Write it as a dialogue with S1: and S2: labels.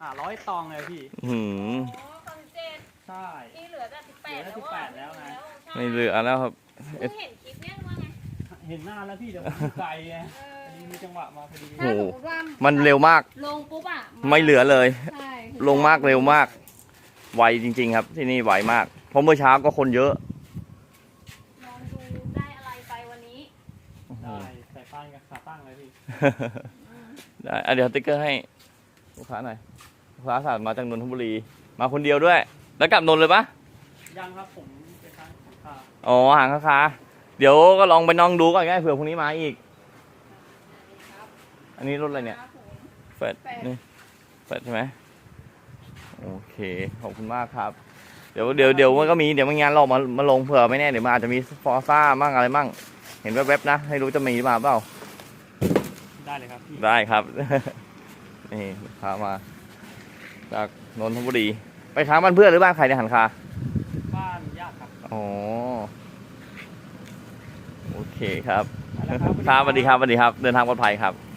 S1: 100 ตองเลยพี่
S2: หืม
S3: อ๋อตอน17
S1: ใช่
S3: ที่เหลือแต่18
S1: เหลือแต่18แล้วนะ
S2: ไม่เหลือแล้วครับ
S3: เพิ่งเห็นคลิปเนี้ยว่าไง
S1: เห็นหน้าแล้วพี่เดี๋ยวผมอยู่ไกลไงพอดีมีจังหวะมาพอดี
S2: โอ้
S3: ถ้า
S2: โห
S3: สมมติว่า
S2: มันเร็วมาก
S3: ลงปุ๊บอ่ะ
S2: ไม่เหลือเลย
S3: ใช่
S2: ลงมากเร็วมาก ไวจริงๆครับ ที่นี่ไวมาก เพราะเมื่อเช้าก็คนเยอะ
S3: ลองดูได้อะไรไปวันนี้
S1: ได้ใส่ป้ายกับขาตั้งเลยพี่
S2: ได้เดี๋ยวติ๊กเกอร์ให้ลูกค้าหน่อยลูกค้าสั่งมาจากนนทบุรี มาคนเดียวด้วย แล้วกลับนนท์เลยปะ
S1: ยังครับผมไปทางขา
S2: อ๋อหางค้าเดี๋ยวก็ลองไปน้องดูก่อนง่ายเผื่อพรุ่งนี้มาอีก อันนี้รถอะไรเนี่ยเฟดนี่เฟดใช่ไหมโอเคขอบคุณมากครับ เดี๋ยวมันก็มีเดี๋ยวมันงานหลอกมาลงเผื่อไม่แน่เดี๋ยวมันอาจจะมีฟอร์ซ่ามั่งอะไรมั่งเห็นแวบๆนะให้รู้จะมีหรือเปล่า
S1: ได้เลยครับพี่
S2: ได้ครับ นี่พามา จากนนทบุรีไปค้างบ้านเพื่อนหรือบ้านใครในยหันคา
S1: บ้านญาติครับ
S2: อ๋อโอเคครับ
S1: ไปแล้วครับ
S2: ครับสวัสดีครับสวัสดีครับ เดินทางปลอดภัยครับ